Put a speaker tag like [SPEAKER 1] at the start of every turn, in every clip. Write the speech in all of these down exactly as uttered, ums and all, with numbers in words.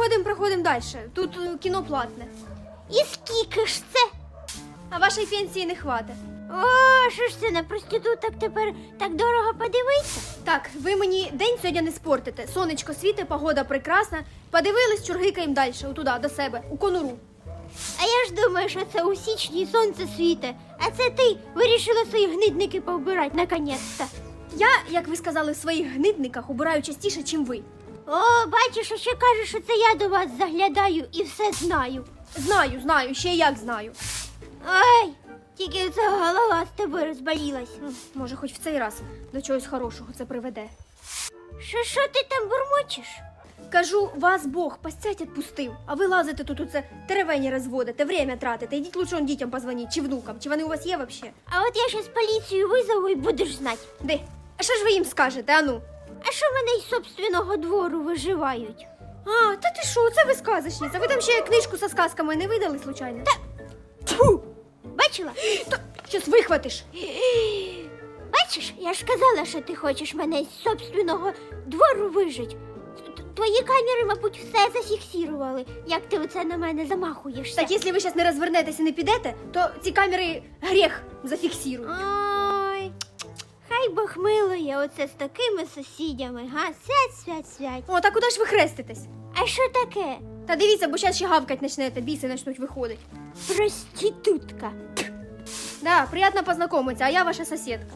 [SPEAKER 1] проходимо, проходимо далі. Тут е, кіно платне.
[SPEAKER 2] І скільки ж це?
[SPEAKER 1] А вашої пенсії не хватить.
[SPEAKER 2] О, що ж це, на проституток тепер так дорого подивитися?
[SPEAKER 1] Так, ви мені день сьогодні не спортите. Сонечко світить, погода прекрасна. Подивились, чургикаємо далі, отуда, до себе, у конуру.
[SPEAKER 2] А я ж думаю, що це у січні сонце світе, а це ти вирішила свої гнидники повбирати, наконець-то.
[SPEAKER 1] Я, як ви сказали, в своїх гнидниках убираю частіше, чим ви.
[SPEAKER 2] О, бачиш, а ще кажеш, що це я до вас заглядаю і все знаю.
[SPEAKER 1] Знаю, знаю, ще як знаю.
[SPEAKER 2] Ай, тільки ця голова з тобою розболілась.
[SPEAKER 1] Ну, може, хоч в цей раз до чогось хорошого це приведе.
[SPEAKER 2] Що, що ти там бурмочеш?
[SPEAKER 1] Кажу, вас Бог постять відпустив, а ви лазите тут оце теревені розводите, время тратите. Ідіть лучше он дітям позвоніть, чи внукам, чи вони у вас є вообще?
[SPEAKER 2] А от я щас поліцію визову і будеш знати.
[SPEAKER 1] Де? А що ж ви їм скажете, ану?
[SPEAKER 2] А що мене із собственного двору виживають?
[SPEAKER 1] А, та ти що, це ви сказочниця. Ви там ще книжку со сказками не видали, случайно?
[SPEAKER 2] Та-
[SPEAKER 1] Тьфу!
[SPEAKER 2] Бачила?
[SPEAKER 1] Та, щас вихватиш.
[SPEAKER 2] Бачиш, я ж казала, що ти хочеш мене з собственного двору вижить. Т- Твої камери, мабуть, все зафіксували, як ти оце на мене замахуєшся.
[SPEAKER 1] Так, якщо ви зараз не розвернетесь і не підете, то ці камери гріх зафіксують.
[SPEAKER 2] Ой, хай Бог милує оце з такими сусідями, га? Свять, свять, свять.
[SPEAKER 1] О, так куди ж ви хреститесь?
[SPEAKER 2] А що таке?
[SPEAKER 1] Та дивіться, бо зараз ще гавкать почнете, біси почнуть виходити.
[SPEAKER 2] Проститутка.
[SPEAKER 1] Да, приятно познакомиться, а я ваша соседка.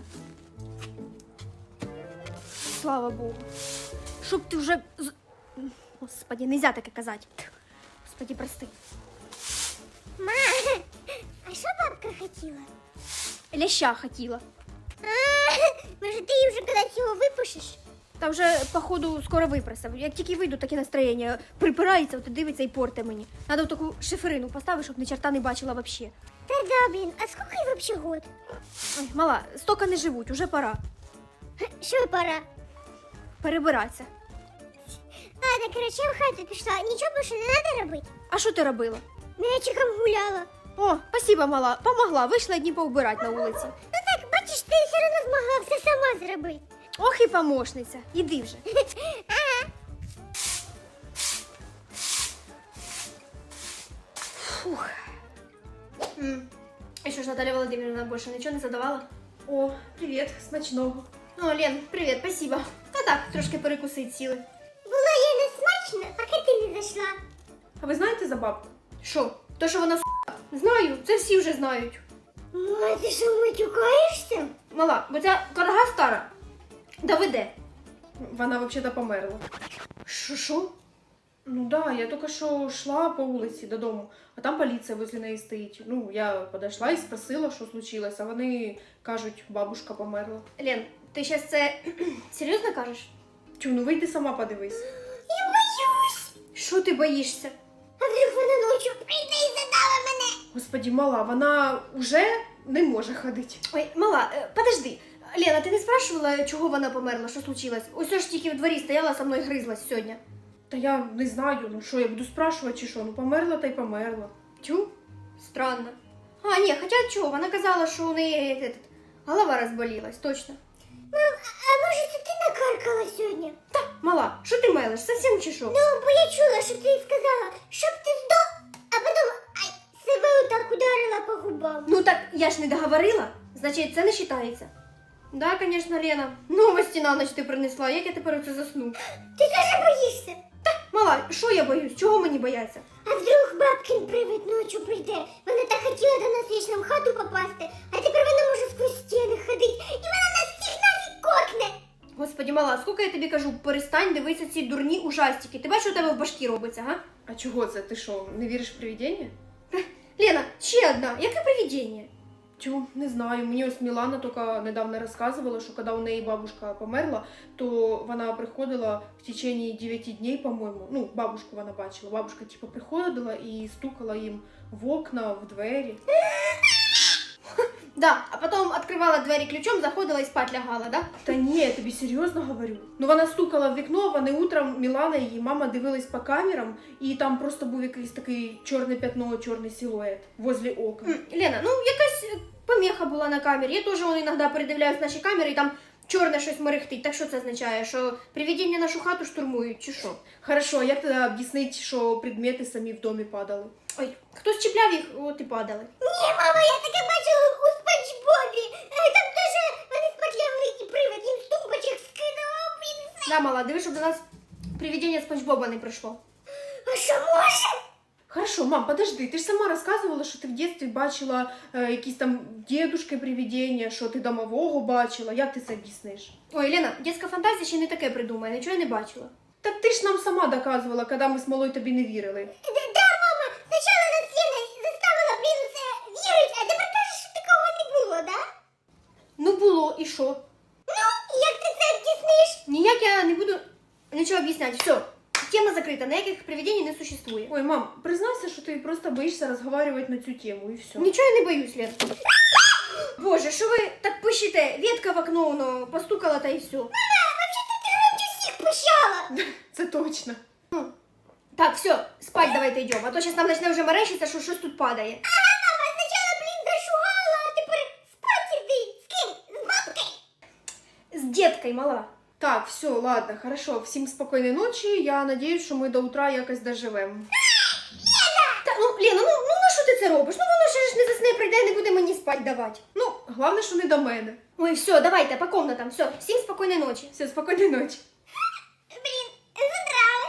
[SPEAKER 1] Слава Богу. Чтоб ты уже... з- Господи, нельзя таке казати. Господи, прости.
[SPEAKER 2] Ма, а що бабка хотіла?
[SPEAKER 1] Ляща хотіла.
[SPEAKER 2] А, може ти її вже кудись його випушиш?
[SPEAKER 1] Та вже, походу, скоро випросив. Як тільки вийду, таке настроєння припирається, от і дивиться і порте мені. Надо в таку шиферину поставити, щоб ні черта не бачила вообще.
[SPEAKER 2] Та да, блін, а скільки їй вообще год?
[SPEAKER 1] Ой, мала, стока не живуть, уже пора.
[SPEAKER 2] Що пора?
[SPEAKER 1] Перебиратися.
[SPEAKER 2] Ладно, короче, я в хату пішла. Нічого більше не треба робити.
[SPEAKER 1] А що ти робила?
[SPEAKER 2] Мячиком гуляла.
[SPEAKER 1] О, спасибо, мала, помогла, вийшла дні повбирати на вулиці.
[SPEAKER 2] Ну так, бачиш, ти все одно змогла все сама зробити.
[SPEAKER 1] Ох і помощниця, іди вже.
[SPEAKER 2] Ага.
[SPEAKER 1] Фух. М. І що ж, Наталя Володимирівна більше нічого не задавала? О, привіт, смачного. О, Лен, привіт, спасибо. Та так, трошки перекусить сіли.
[SPEAKER 2] Було їй не смачно, поки ти не зайшла.
[SPEAKER 1] А ви знаєте за бабку? Що? То, що вона с***? Знаю, це всі вже знають.
[SPEAKER 2] Ма, ти що, матюкаєшся?
[SPEAKER 1] Мала, бо ця карга стара. Доведе. Вона взагалі померла. Що, що? Ну да, я тільки що йшла по вулиці додому, а там поліція возле неї стоїть. Ну, я підійшла і спросила, що случилось, а вони кажуть, бабушка померла. Лен, ти зараз це серйозно кажеш? Тю, ну вийди сама подивись.
[SPEAKER 2] Я боюсь.
[SPEAKER 1] Що ти боїшся?
[SPEAKER 2] А вдруг вона ночі прийде і задала мене?
[SPEAKER 1] Господи, мала, вона вже не може ходити. Ой, мала, е, подожди. Лена, ти не спрашивала, чого вона померла, що случилось? Ось ж тільки в дворі стояла, со мною гризлась сьогодні. Та я не знаю, ну що, я буду спрашувати чи що, ну померла та й померла. Тю, странно. А, ні, хоча чого, вона казала, що у неї е, е, голова розболілась, точно.
[SPEAKER 2] Мам, а може це ти накаркала сьогодні?
[SPEAKER 1] Та, мала, що ти мелиш, совсем чи що?
[SPEAKER 2] Ну, бо я чула, що ти сказала, щоб ти здох, а потім ай, себе отак ударила по губам.
[SPEAKER 1] Ну так я ж не договорила, значить це не вважається. Да, конечно, Лена. Новості на ніч ти принесла, як я тепер оце засну?
[SPEAKER 2] Ти теж боїшся?
[SPEAKER 1] Мала, що я боюсь? Чого мені бояться?
[SPEAKER 2] А вдруг бабкин привид ночі прийде? Вона так хотіла до нас вічно в хату попасти, а тепер вона може сквозь стіни ходити, і вона нас всіх нафіг кокне.
[SPEAKER 1] Господи, мала, скільки я тобі кажу, перестань дивитися ці дурні ужастики. Ти бачиш, що у тебе в башкі робиться, га? А чого це? Ти що, не віриш в привидіння? Лена, ще одна. Яке привидіння? Тю, не знаю. Мені ось Мілана тільки недавно розказувала, що коли у неї бабушка померла, то вона приходила в течение дев'яти днів, по-моєму. Ну, бабушку вона бачила. Бабушка, типу, приходила і стукала їм в окна, в двері. Да, а потом открывала двері ключом, заходила і спать лягала, да? Та ні, я тобі серйозно говорю. Ну вона стукала в вікно, вони утром, Мілана і її мама дивились по камерам, і там просто був якийсь такий чорне пятно, чорний силует возле окна. Лена, ну якась помеха була на камері. Я теж вон іноді передивляюсь наші камери, і там чорне щось мерехтить. Так що це означає? Що привидіння нашу хату штурмують, чи що?
[SPEAKER 3] Хорошо, а як тоді об'яснити, що предмети самі в домі падали?
[SPEAKER 1] Ой, хтось чіпляв їх, от і падали.
[SPEAKER 2] Ні, мама, я таке бачила у Спанч Бобі. Е, Там теж вони спотлявили і привид, він з тумбочок скидував, він все.
[SPEAKER 1] Да, мала, диви, щоб до нас привидіння Спанч Боба не прийшло.
[SPEAKER 2] А що може?
[SPEAKER 3] Хорошо, мам, подожди, ти ж сама розказувала, що ти в дитинстві бачила е, якісь там дідушки привидіння, що ти домового бачила. Як ти це об'ясниш?
[SPEAKER 1] Ой, Лена, дитяча фантазія ще не таке придумає, нічого я не бачила.
[SPEAKER 3] Так ти ж нам сама доказувала, коли ми з малою тобі не вірили.
[SPEAKER 2] Да, да, мама, спочатку нас Лена заставила, блін, у це вірити, а тепер кажеш, що такого не було, да?
[SPEAKER 1] Ну було, і що?
[SPEAKER 2] Ну, як ти це об'ясниш?
[SPEAKER 1] Ніяк я не буду нічого об'ясняти. Все, тема закрита, ніяких привидінь не существує.
[SPEAKER 3] Ой, мам, признайся, що ти просто боїшся розговорювати на цю тему, і все.
[SPEAKER 1] Нічого я не боюсь, Лен. Боже, що ви так пишете? Ветка в окно, воно постукала та і все.
[SPEAKER 2] Мама, взагалі ти громче всіх пищала.
[SPEAKER 3] Це точно.
[SPEAKER 1] Так, все, спать давайте йдемо, а то зараз нам почне вже мерещиться, що щось тут падає.
[SPEAKER 2] Ага, мама, спочатку, блін, зашугала, а тепер спать іди. З ким? З бабкою?
[SPEAKER 1] З діткою, мала.
[SPEAKER 3] Так, все, ладно, хорошо. Всім спокійної ночі. Я надіюсь, що ми до утра якось доживемо.
[SPEAKER 1] Та, ну, Лена, ну, ну на що ти це робиш? Ну воно ще ж не засне, прийде, не буде мені спать давати.
[SPEAKER 3] Ну, головне, що не до мене.
[SPEAKER 1] Ой, все, давайте, по комнатам, все, всім спокійної ночі.
[SPEAKER 3] Все, спокійної ночі.
[SPEAKER 2] Блін, задрали.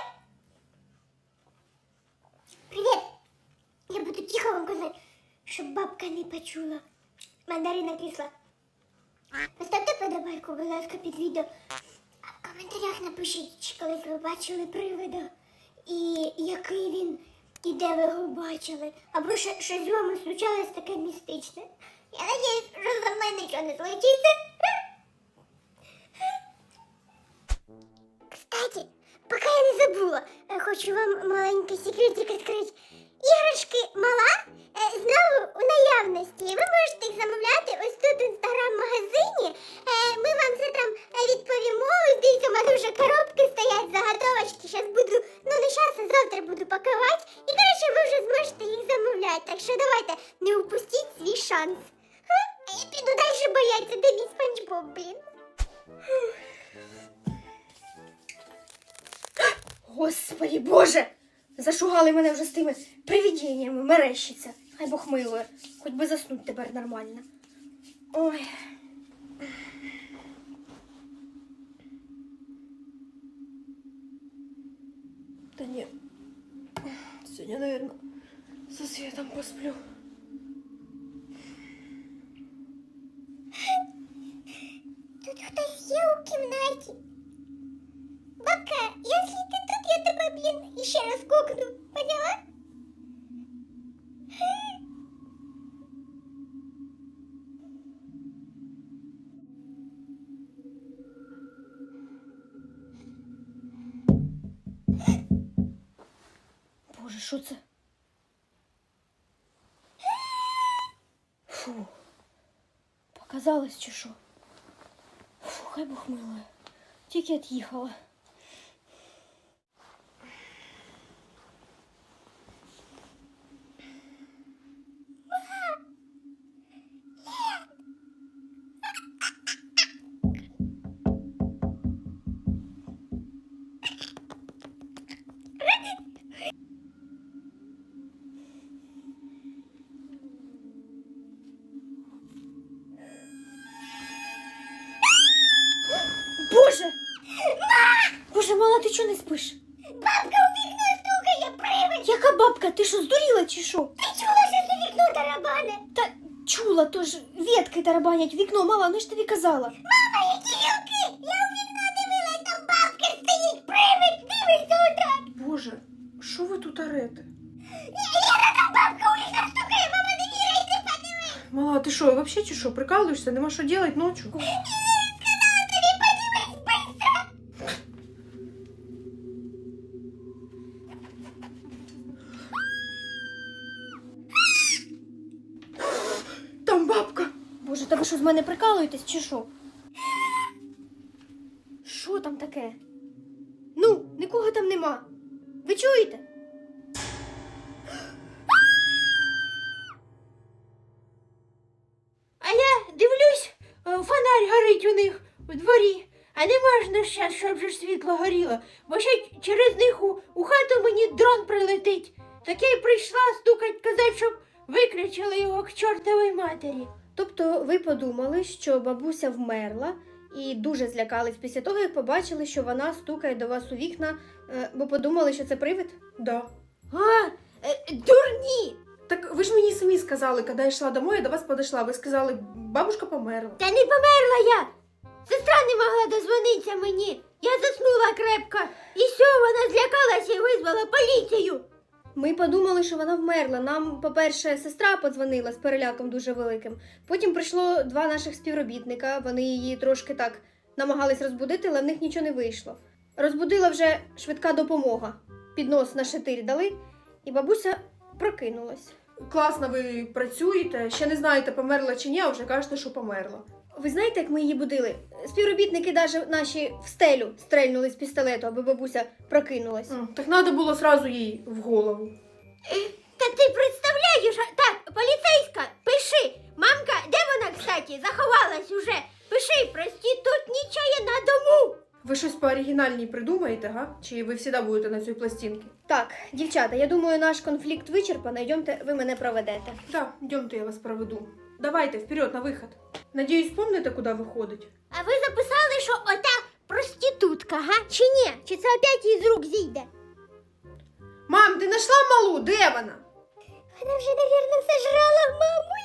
[SPEAKER 2] Привіт. Я буду тихо вам казати, щоб бабка не почула. Мандарина кисла. Поставте подобайку, будь ласка, під відео. А в коментарях напишіть, чи колись ви бачили привида. І який він, і де ви його бачили. Або що, що з вами случалось таке містичне. Я надіюсь, що за мною нічого не случиться. Кстати, поки я не забула, е, хочу вам маленький секретик відкрити. Іграшки мала е, знову у наявності. Ви можете їх замовляти ось тут в інстаграм-магазині. Е, Ми вам це там е, відповімо. Дивіться, у мене вже коробки стоять, заготовочки. Зараз буду, ну не зараз, а завтра буду пакувати. І, коротше, ви вже зможете їх замовляти. Так що давайте, не упустіть свій шанс. Ха? А я піду далі бояться, де мій Спанч Боб, блін.
[SPEAKER 1] Господи, Боже! Зашугали мене вже з тими привидіннями, мерещиться. Хай Бог милує, хоч би заснуть тепер нормально. Ой.
[SPEAKER 3] Та ні. Сьогодні, наверное, со Світом посплю.
[SPEAKER 2] Тут хтось є у кімнаті. Бабка, якщо ти тут, я тебе, блін, іще раз кокну. Поняла?
[SPEAKER 1] Боже, що це? Фу. Показалось чи що? Фу, хай Бог милує. Тільки від'їхала. Боже! Боже, мала, ти чого не спиш?
[SPEAKER 2] Бабка у вікно стукає, привид!
[SPEAKER 1] Яка бабка? Ти що, здуріла чи що?
[SPEAKER 2] Ти чула, що це вікно тарабане?
[SPEAKER 1] Та чула, то ж ветки тарабанять в вікно, мала, ну ж тобі казала.
[SPEAKER 2] Мама, які гілки! Я у вікно дивилась, там бабка стоїть, привид! Дивиться отак!
[SPEAKER 3] Боже, що ви тут орете?
[SPEAKER 2] Лера, там бабка у вікно стукає, мама, не вірить, ти подиви!
[SPEAKER 3] Мала, ти що, вообще чи що, прикалуєшся? Нема що делать ночью?
[SPEAKER 2] Сказала тобі, подивись, быстро!
[SPEAKER 3] Там бабка!
[SPEAKER 1] Боже, та ви що з мене прикалуєтесь чи що? Що там таке? Ну, нікого там нема. Ви чуєте? А я дивлюсь, е, фонарь горить у них.
[SPEAKER 4] у дворі. А не можна щас, щоб же ж світло горіло, бо ще через них у, у хату мені дрон прилетить. Так я й прийшла стукать, казати, щоб виключили його к чортовій матері.
[SPEAKER 1] Тобто ви подумали, що бабуся вмерла і дуже злякались після того, як побачили, що вона стукає до вас у вікна, е, бо подумали, що це привид?
[SPEAKER 3] Да.
[SPEAKER 4] А, е, дурні!
[SPEAKER 3] Так ви ж мені самі сказали, коли я йшла домой, я до вас подошла, ви сказали, бабушка померла.
[SPEAKER 4] Та не померла я! Сестра не могла дозвонитися мені. Я заснула крепко. І все, вона злякалася і визвала поліцію.
[SPEAKER 1] Ми подумали, що вона вмерла. Нам, по-перше, сестра подзвонила з переляком дуже великим. Потім прийшло два наших співробітника, вони її трошки так намагались розбудити, але в них нічого не вийшло. Розбудила вже швидка допомога. Піднос на шатир дали, і бабуся прокинулась.
[SPEAKER 3] Класно ви працюєте, ще не знаєте, померла чи ні, а вже кажете, що померла.
[SPEAKER 1] Ви знаєте, як ми її будили? Співробітники навіть наші в стелю стрельнули з пістолету, аби бабуся прокинулась.
[SPEAKER 3] М, Так треба було сразу їй в голову.
[SPEAKER 4] Та ти представляєш? а- Так, поліцейська, пиши. Мамка, де вона, кстати, заховалась уже? Пиши, проститутнічає на дому.
[SPEAKER 3] Ви щось пооригінальній придумаєте, га? Чи ви завжди будете на цій пластинці?
[SPEAKER 1] Так, дівчата, я думаю, наш конфлікт вичерпано. Йдемте, ви мене проведете.
[SPEAKER 3] Да, йдемте, я вас проведу. Давайте, вперед, на виход. Надіюсь, помните, куди виходить?
[SPEAKER 4] А ви записали, що ота проститутка, га? Чи ні? Чи це опять їй з рук зійде?
[SPEAKER 3] Мам, ти знайшла малу? Де вона?
[SPEAKER 2] Вона вже, навірно, сожрала маму.